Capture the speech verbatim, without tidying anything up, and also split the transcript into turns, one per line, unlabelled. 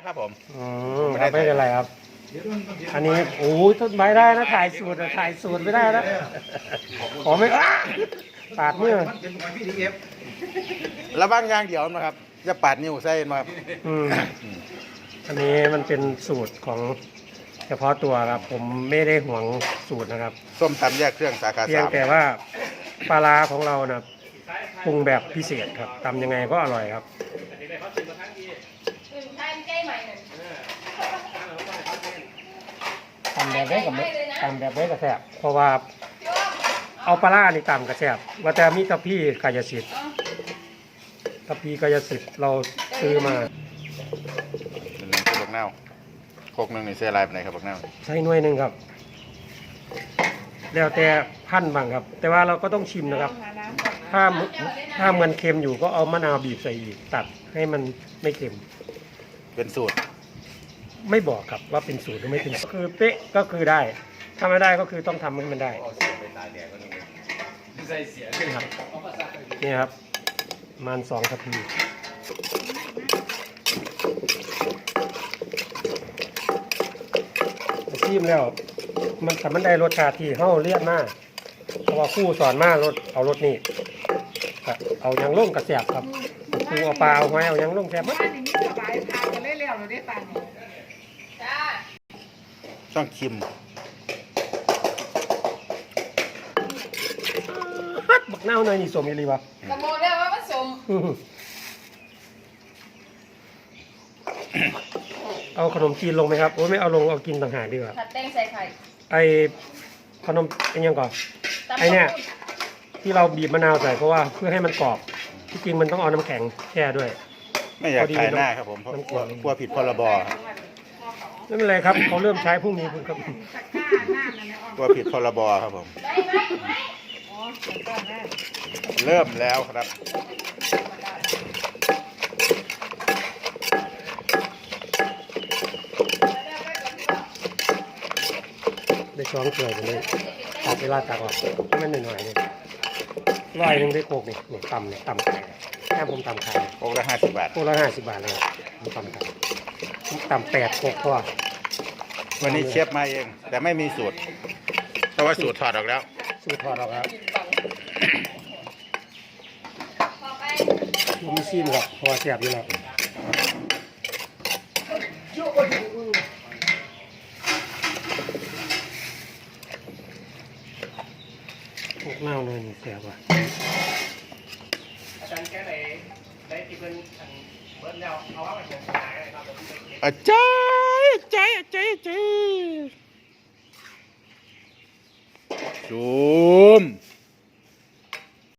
ครับผม
อืมไม่เป็นไรครับอันนี้โอ้ยต้นไม้ได้นะถ่ายสูตรถ่ายสูตรไม่ได้นะขอไม่อ้าปาดมือ
ระวังยางเดียวนะครับจะปาดนิ้วใส่มาครับ
อืมอันนี้มันเป็นสูตรของเฉพาะตัวครับผมไม่ได้ห่วงสูตรนะครับ
ส้มตำแยกเครื่องสาขาสามเพียง
แต่ว่าปลาร้าของเรานะปรุงแบบพิเศษครับทำยังไงก็อร่อยครับตำแบบได้กับตำแบบได้กับแซ่บเพราะว่าเอาปลาร้านี่ตำกับแซ่บว่าแต่มีกะพี่กายสิทธิ์กะพี่กายสิทธิ์เราซื้อมา
เป็นหนึ่งคือบักเน่าโคกหนึ่งในเสื้อลายเป็นไหนครับบักเน่า
ใช้หน่วยหนึ่งครับแล้วแต่พันบางครับ แต่ว่าเราก็ต้องชิมนะครับถ้าถ้ามันเค็มอยู่ก็เอามะนาวบีบใส่อีกตัดให้มันไม่เค็ม
เป็นสูตร
ไม่บอกครับว่าเป็นสูตรหรือไม่เป็นสูตรคือเป๊ะก็คือได้ถ้าไม่ได้ก็คือต้องทำให้มันได้นี่ครับประมาณสองนาทีชิมแล้วมันทำมันได้รสชาติที่เฮ้าเลี่ยนมากเพราะว่าคู่สอนมากรสเอารสนี่เอายังล่งกระแสบครับคู่เอาปลาเอาไว้เอายังล่งแสบมั้ย
ต้องชิม
บักเน่าหน่อยนี่สมยี่ลีวะ
กระโมงแล้วว่าผสม
เอาขนมจีนลงไหมครับโอ้ไม่เอาลงเอากินต่างหากดีกว่า
ผัดแตงใส่ไข่
ไอขนมไอยังก่อนไอเนี่ยที่เราบีบมะนาวใส่เพราะว่าเพื่อให้มันกรอบที่จริงมันต้องเอาน้ำแข็งแช่ด้วย
ไม่อยากขายหน้าครับผมเพราะกลัวกลัวผิดพรบ
ไม่เป็นไรครับเขาเริ่มใช้พรุ่งนี้คุณครับ
กลัวผิดพรบครับผมเริ่มแล้วครับ
ได้ช้อนเกลือไปเลยตัดเวลาตักออกให้มันหน่อยๆเลยร้อยหนึ่งได้โคกนี่เนี่ยต่ำเนี่ยต่ำไข่แค่ผมต่ำไข่
โคกละห้าสิบบาท
โคกละห้าสิบบาทเลยผมต่ำไข่ผมต่ำแปดโคกพอ
วันนี้เชฟมาเองแต่ไม่มีสูตรเพราะว่าสูตรถอดออกแล้ว
สูตรถอดออกแล้วมีซีมครับเพราะว่าเสียบอยู่แล้วพวกเน่าเลยนี่เสียบว่ะ
อาจารย์แกไหนได้ที่เป็นเบิร์ดแล้วเอาว่าไปเขียนสายอะไรครับอาจารย์อาจารย์อาจารย์อาจารย์ซูม